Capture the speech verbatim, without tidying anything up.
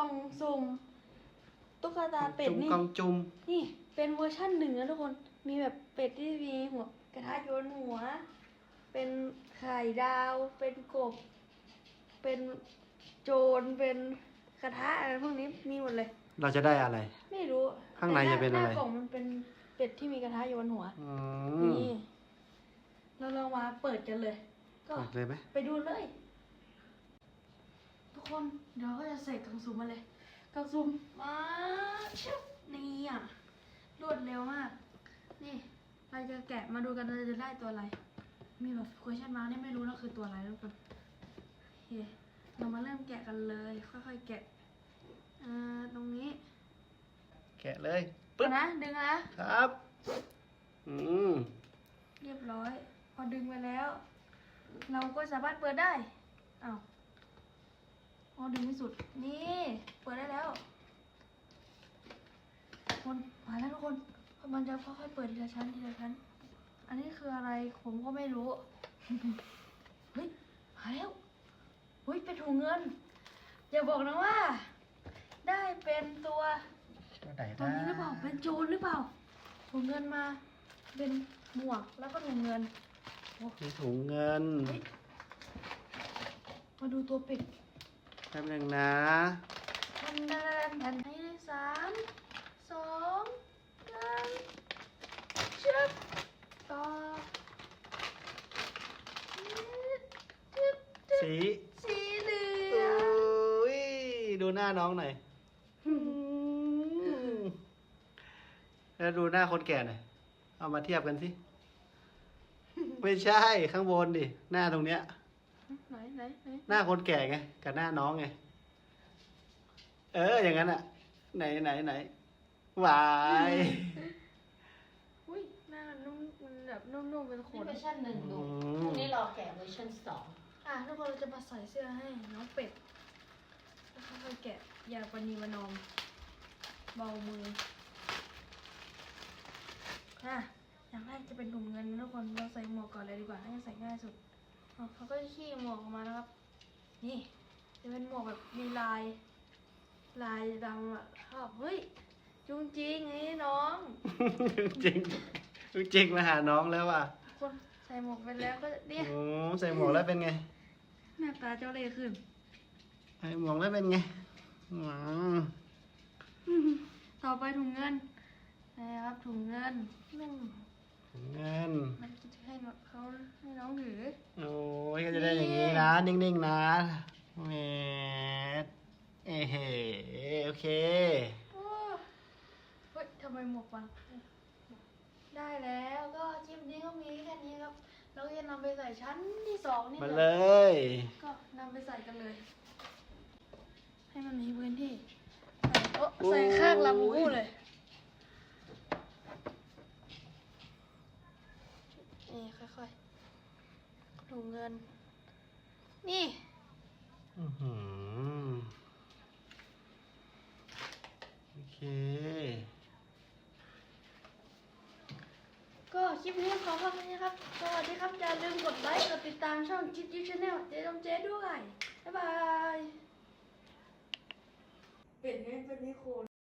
องสุ่มตุ๊กตาเป็ดนี่กองจุ่มนี่เป็นเวอร์ชั่นหนึ่งนะทุกคนมีแบบเป็ดที่มีหัวกระทะโยนหัวเป็นไข่ดาวเป็นกบเป็นโจรเป็นกระทะอะไรพวกนี้มีหมดเลยเราจะได้อะไรไม่รู้ข้างในจะเป็นอะไรหน้ากล่องมันเป็นเป็ดที่มีกระทะโยนหัวอืมนี่เราลองมาเปิดกันเลย ก็เปิดเลยไหมไปดูเลย ทุกคนเดี๋ยวก็จะใส่กล่องซุ่มมาเลยกล่องซุ่มมาชิบนี่อ่ะรวดเร็วมาก นี่เราจะแกะมาดูกันเราจะได้ตัวอะไร มีแบบ question mark นี่ไม่รู้นะคือตัวอะไรทุกคนโอเคเรามาเริ่มแกะกันเลย ค่อยๆแกะอ่าตรงนี้แกะเลยปึ๊บนะดึงนะครับอืมเรียบร้อย พอดึงไปแล้ว เราก็สามารถเปิดได้อ้าวพอดึงไม่สุดนี่เปิดได้แล้วคนมาแล้วทุกคนมันจะค่อยๆเปิดทีละชั้นทีละชั้นอันนี้คืออะไรผมก็ไม่รู้ เฮ้ยมาแล้วเฮ้ยเป็นถุงเงินอย่าบอกนะว่า ได้เป็นตัวตัวไหนตัวนี้หรือเปล่าเป็นโจรหรือเปล่าถุงเงินมาเป็นหมวกแล้วก็ถุงเงินโอ้มีถุงเงินเฮ้ยมาดูตัวเป็ดแป๊บนึงนะทันทันทันให้ได้สามสองหนึ่งชึบต่อสีสีเหลืโอ้องยดูหน้าน้องหน่อยอืมแล้วดูหน้าคนแก่หน่อยเอามาเทียบกันสิ ไม่ใช่ข้างบนดิ หน้าตรงเนี้ยไหนไหนไหนหน้าคนแก่ไง กับหน้าน้องไง เออ อย่างนั้นอะไหนไหนไหนหวายอุ้ยหน้านุ่มมันแบบนุ่มๆเป็นขนี่นเวอร์ชันหนึ่งอืดูมพรุ่งนี้รอแกะเวอร์ชันสองอ่ะทุกคนเราจะมาใส่เสื้อให้น้องเป็ดแล้วค่อยๆแกะอย่าปณีประนอมเบามืออ่ะอย่างแรกจะเป็นถุงเงินนะทุกคนเราใส่หมวกก่อนเลยดีกว่าน่าจะใส่ง่ายสุดอ๋อเขาก็จะขี้หมวกออกมานะครับ นี่จะเป็นหมวกแบบมีลาย ลายดำอ่ะชอบเฮ้ยจุงจริงไอ้น้องจริงจริงมาหาน้องแล้วอ่ะคนใส่หมวกไปแล้วก็เนี่ยโอ้ใส่หมวกแล้วเป็นไงหน้าตาเจ้าเล่ห์ขึ้นใส่หมวกแล้วเป็นไงอืมต่อไปถุงเงินนะครับถุงเงินนึ่งเงินมันจะให้เขาให้น้องถือโอ้ยก็จะได้อย่างนี้นะ นิ่งๆนะเมดเอ้เฮ้โอเคโอ้เฮ้ยทำไมหมวกบังได้แล้วก็คลิปนี้ก็มีแค่นี้ครับ เราจะนำไปใส่ชั้นที่สองนี่มาแหเลละยก็นำไปใส่กันเลย ให้มันมีพื้นที่ใส่โอ้ใส่ข้างลำคู่เลยนี่ค่อยๆถุงเงิน นี่อื้อหือโอเคก็คลิปนี้ขอพักนี้ครับ สวัสดีครับ อย่าลืมกดไลค์ กดติดตามช่องจิ๊บจิ๊บชาแนลเจ๊ดมเจ๊ด้วย บ๊ายบาย เป็นไงเป็นนิโค